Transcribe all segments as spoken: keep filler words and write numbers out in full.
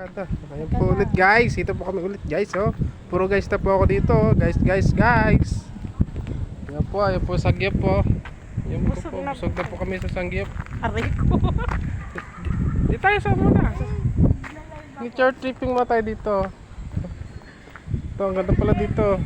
Kada. Ayan po ulit guys. Ito po kami ulit guys. Oh. Puro guys na po ako dito. Oh. Guys, guys, guys. Ayan po. Ayan po Sangyup po. Ayan po po. Busog na po kami sa Sangyup. Aray ko. Di tayo sa muna. Nature tripping mo tayo dito. Ito, ang ganda pala dito.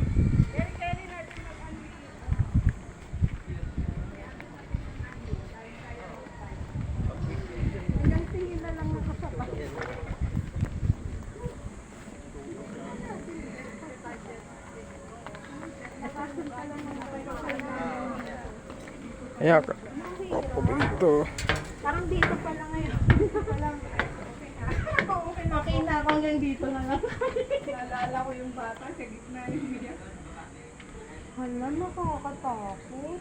Ayan. Opo dito. Parang dito pa lang ngayon. Dito pa lang. Okay na ako hanggang dito na lang. Naalala ko yung bata sa gitna yung video. Hala, nakakatakot.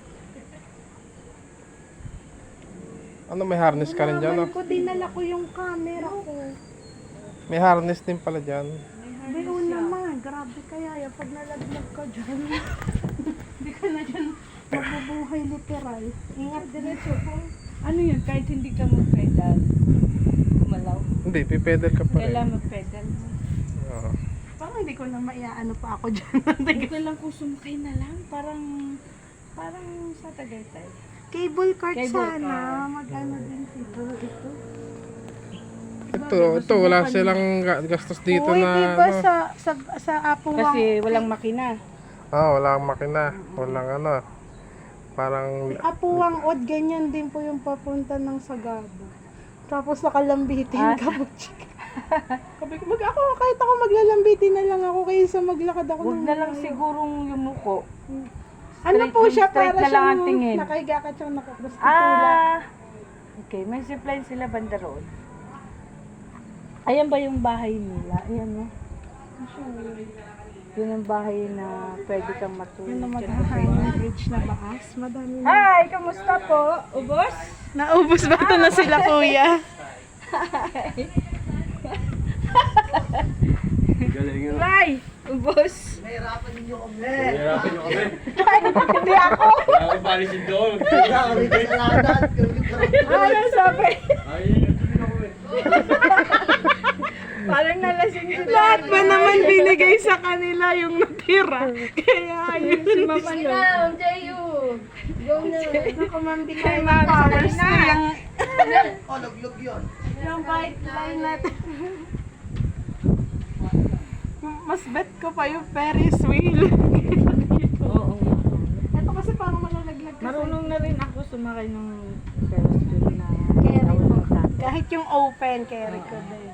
Ano, may harness ka rin dyan? Nalaman Oh? ko, dinala ko yung camera ko. May harness din pala dyan. Bayo naman, grabe kaya yan. Pag nalaglag ka dyan, hindi ka na dyan mabubuhay literal. Ingat diretso po. Ano yun? Kahit hindi ka mag-pedal, gumalaw. Hindi, pipedal ka pa rin. Kailangan mag-pedal. Oo. Parang hindi ko na maiaano pa ako dyan. Hindi ko lang kung sumakay na lang. Parang, parang sa Tagaytay. Cable cart Cable sana. cart. Mag-ano din dito. Ito. Ito, ito, wala silang ga- gastos dito Uy, na diba ano. sa, sa, sa Apuwang. Kasi walang makina. Ah, wala kang makina. Walang ano. Parang Apuwang Od, ganyan din po yung papunta ng Sagada. Tapos nakalambitin Ah. ka po, chika. Sabi ko, mag ako, kahit ako maglalambitin na lang ako kaysa maglakad ako Huwag ng na lang malayo. sigurong yumuko. Ano straight- po siya, straight para na lang ang siyang tingin. nakahiga ka siyang nakapros Ah! Okay, may supply sila banda roon. Ayan ba yung bahay nila? Ayan no? Yun ang bahay na pwede kang matulog. Yun na Diyan ka mag-high pa. ng bridge na baas. Madami na. Hi! Kamusta po? Ubos? Naubos ba ito na sila, kuya? Ray! Ubos? Nahirapan niyo kami. Hindi ako! Wala akong palisin doon. Kaya kami kasalanan. Kami karapatan. Ano sabi? Ay, tuloy ako eh. Parang nalasing sila. Lahat ba naman binigay sa kanila yung natira? Kaya ayun. Si Mama no? Ako, ma'am, di Kay kayo Mama powers na. na yung, Oh, luglog yun. yung bike line natin. Mas bet ko pa yung Ferris wheel. Oo. Ito kasi parang malalaglag kasi. Marunong na rin ako sumakay ng Ferris wheel na Carry po. tawag ng tatay. Kahit yung open, carry ko din.